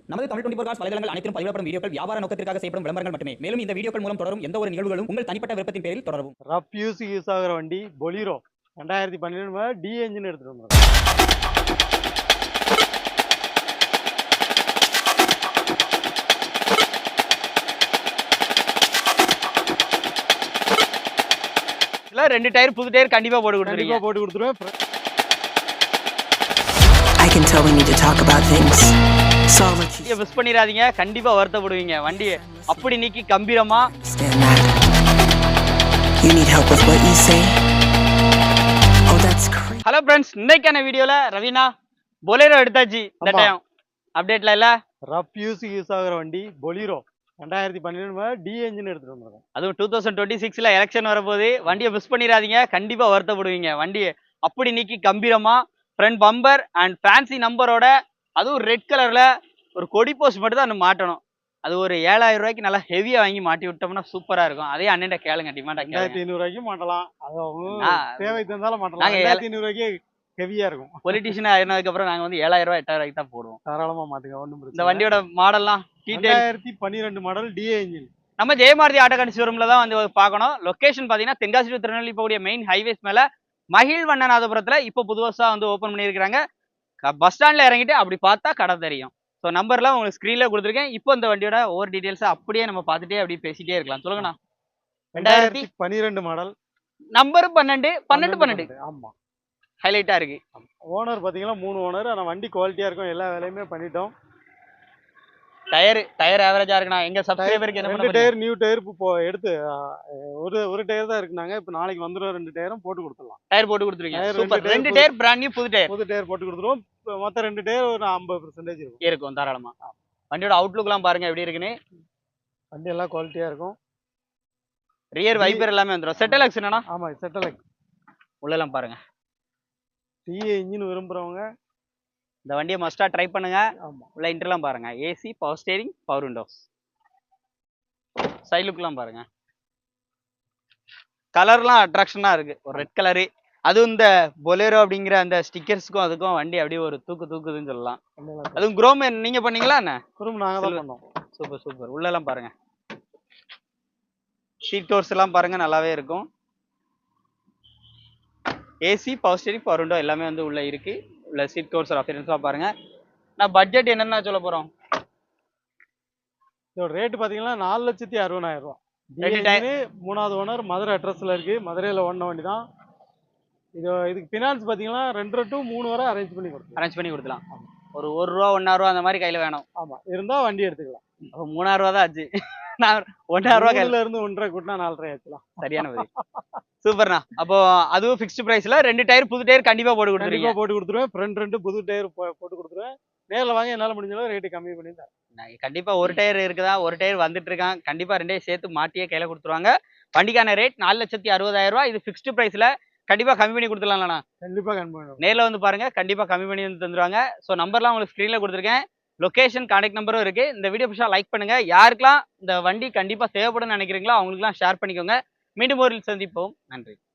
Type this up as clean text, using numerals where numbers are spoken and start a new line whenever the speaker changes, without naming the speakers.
நமது தமிழ் 24 காஸ் வலைதளங்கள் அனைத்தும் பதிவிடப்படும் வீடியோக்கள் வியாபார நோக்கத்திற்காக செய்யப்படும் விளம்பரங்கள் மட்டுமே. மேலும் இந்த வீடியோக்கள் மூலம் தொடரும் எந்த ஒரு நிகழ்வுகளும் உங்கள் தனிப்பட்ட விருப்பத்தின் பேரில் தொடரவும்.
ரஃப் யூஸ் ஆகிற வண்டி பொலிரோ 2012 டி என்ஜின் எடுத்துட்டு வந்தோம்.
ரெண்டு டயர் புது டயர் கண்டிப்பா போட்டு கொடுத்துருவேன்.
I can tell we need to talk about things. So let's
miss பண்ணிராதீங்க, கண்டிப்பா வருத்தப்படுவீங்க. வண்டி அப்படி நீக்கி கம்பீரமா.
stand that. You need help with what you say. Oh, that's crazy.
Hello friends, இன்னைக்கான வீடியோல ரவீனா பொலேரோ எடுத்தாச்சு. இந்த டைம் அப்டேட்ல இல்ல,
ரஃப் யூஸ் ஆகிற வண்டி பொலிரோ 2012 டி என்ஜின் எடுத்துட்டு வந்தோம்.
அதுவும் 2026ல எலெக்ஷன் வரப்போகுது. வண்டியை மிஸ் பண்ணிடாதீங்க, கண்டிப்பா வருத்தப்படுவீங்க. வண்டி அப்படி நீக்கி கம்பீரமா ஃப்ரண்ட் பம்பர் அண்ட் ஃபேன்சி நம்பரோட, அதுவும் ரெட் கலர்ல ஒரு கொடி போஸ்ட் மட்டும் தான் மாட்டணும். அது ஒரு 7000 ரூபாய்க்கு நல்லா ஹெவியா வாங்கி மாட்டி விட்டோம்னா சூப்பரா இருக்கும். அதே அண்ணன் கேளுங்க, டிமாண்டா
2500 ரூபாய்க்கு மாட்டலாம். அது அவங்க தேவை தந்தாலும் மாட்டலாம். 2500 ரூபாய்க்கு ஹெவியா இருக்கும்.
பொலிட்டிஷியன் ஆனதுக்கு அப்புறம் நாங்க வந்து 7000 ரூபாய் 8000 ரூபாய்க்கு தான் போடுவோம்.
தாராளமா மாட்டுங்க, ஒண்ணும் பிரச்சனை.
இந்த வண்டியோட மாடல்லாம்
2012 மாடல் டி என்ஜின்.
நம்ம ஜெயமாரதி ஆட்டோ கண்டி ஷோரூம்ல தான் வந்து பார்க்கணும். லொகேஷன் பாத்தீங்கன்னா தென்காசி டு திருநெல்வேலி போகக்கூடிய மெயின் ஹைவேஸ் மேல மகிழ்வண்ணநாதபுரத்துல இப்போ புதுசா வந்து ஓபன் பண்ணியிருக்காங்க. பஸ் ஸ்டாண்ட்ல இறங்கிட்டு அப்படி பார்த்தா கடை தெரியும். ஸோ நம்பர்லாம் உங்களுக்கு ஸ்க்ரீன்ல கொடுத்துருக்கேன். இப்போ இந்த வண்டியோட ஒவ்வொரு டீடைல்ஸ் அப்படியே நம்ம பார்த்துட்டே அப்படியே பேசிட்டே இருக்கலாம். சொல்லுங்கண்ணா.
2012 மாடல்,
நம்பர் 12.
ஆமா,
ஹைலைட்டா இருக்கு.
ஓனர் பாத்தீங்கன்னா 3 ஓனர். ஆனா வண்டி குவாலிட்டியா இருக்கும், எல்லா வேலையுமே பண்ணிட்டோம்.
டயர் ஆவரேஜா இருக்குண்ணா. எங்க சப்ஸ்கிரைபருக்கு என்ன பண்ண
டயர் நியூ டயர் இப்போ எடுத்து ஒரு டயர் தான் இருக்குனாங்க. இப்போ நாளைக்கு வந்துடும், 2 டயரும் போட்டு கொடுத்துடலாம்.
டயர் போட்டு கொடுத்துருக்கீங்க. சூப்பர். 2 டயர் பிராண்ட் நியூ புது டயர்
போட்டு கொடுத்துருவோம். மொத்த 2 டயர் ஒரு 50%
இருக்கும் தாராளமா. வண்டியோட அவுட்லுக்லாம் பாருங்க எப்படி இருக்குன்னு.
வண்டி எல்லாம் குவாலிட்டியா இருக்கும்.
ரியர் வைப்பர் எல்லாமே வந்துடும். செட்டலக்ஸ் என்னன்னா?
ஆமா, செட்டலக்ஸ்.
உள்ளெல்லாம் பாருங்க.
டி இன்ஜின் விரும்புறவங்க
இந்த வண்டியை மஸ்டா ட்ரை பண்ணுங்க.
ஆமா,
உள்ள இன்டர்லாம் பாருங்க. AC, power steering, power windows. Side லுக்லாம் பாருங்க. கலர்லாம் அட்ராக்ஷனா இருக்கு. ஒரு ரெட் கலரு, அதுவும் இந்த பொலேரோ அப்படிங்கிற அந்த ஸ்டிக்கர்ஸ்க்கும் அதுக்கும் வண்டி அப்படியே ஒரு தூக்குதுன்னு சொல்லலாம். அதுவும் குரோம் நீங்க பண்ணீங்களா என்ன?
குரோம் நாங்க தான் பண்ணோம்.
சூப்பர். உள்ளெல்லாம் பாருங்க. சீட் டோர்ஸ் எல்லாம் பாருங்க, நல்லாவே இருக்கும். AC, power steering, power window எல்லாமே வந்து உள்ள இருக்கு. உள்ள சீட் கவர்ஸ் அப்பியரன்ஸா பாருங்க. நான் பட்ஜெட் என்னன்னா சொல்ல போறோம்.
இதோட ரேட் பாத்தீங்கன்னா 4,60,000 ரூபாய். மூணாவது ஓனர், மதுரை அட்ரஸ்ல இருக்கு. மதுரையில ஓடின வண்டி தான். இதுக்கு பினான்ஸ் பாத்தீங்கன்னா 2 to 3 வரை அரேஞ்ச் பண்ணி கொடுக்கலாம்.
ஒரு ரூபா 1,000 ரூபா அந்த மாதிரி கையில வேணும்.
ஆமா, இருந்தா வண்டி எடுத்துக்கலாம்.
3,000 ரூபா தான் ஆச்சு. நான் 1,000 ரூபா கையில
இருந்து 1.5 கூட்டினா 4,500 ஆச்சுலாம்.
சரியான பதில். சூப்பர்ண்ணா. அப்போ அதுவும் ஃபிக்ஸ்டு பிரைஸ்ல 2 டயர் புது டயர் கண்டிப்பா போட்டு
கொடுத்துருவேன். ஃப்ரண்ட் 2 புது டயர் போட்டு கொடுத்துருவேன். நேரில் வாங்க, என்னால முடிஞ்ச அளவு ரேட்டு கம்மி பண்ணி தரேன்.
கண்டிப்பா ஒரு டயர் இருக்குதா, ஒரு டயர் வந்துட்டு இருக்கான். கண்டிப்பா 2 சேர்த்து மாட்டியே கையில கொடுத்துருவாங்க. வண்டிக்கான ரேட் 4,60,000 ரூபாய். இது ஃபிக்ஸ்டு பிரைஸ்ல கண்டிப்பா கம்மி பண்ணி கொடுத்துடலாம்ண்ணா.
கண்டிப்பா கம்மி பண்ணுவோம்.
நேரில் வந்து பாருங்க, கண்டிப்பா கம்மி பண்ணி வந்து தந்துருவாங்க. ஸோ நம்பர்லாம் உங்களுக்கு ஸ்க்ரீன்ல கொடுத்துருக்கேன். லொகேஷன், கான்டாக்ட் நம்பரும் இருக்கு. இந்த வீடியோ பிடிச்சா லைக் பண்ணுங்க. யாருக்கெல்லாம் இந்த வண்டி கண்டிப்பா தேவைப்படும் நினைக்கிறீங்களோ அவங்களுக்குலாம் ஷேர் பண்ணிக்கோங்க. மீண்டும் ஒரு சந்திப்போம். நன்றி.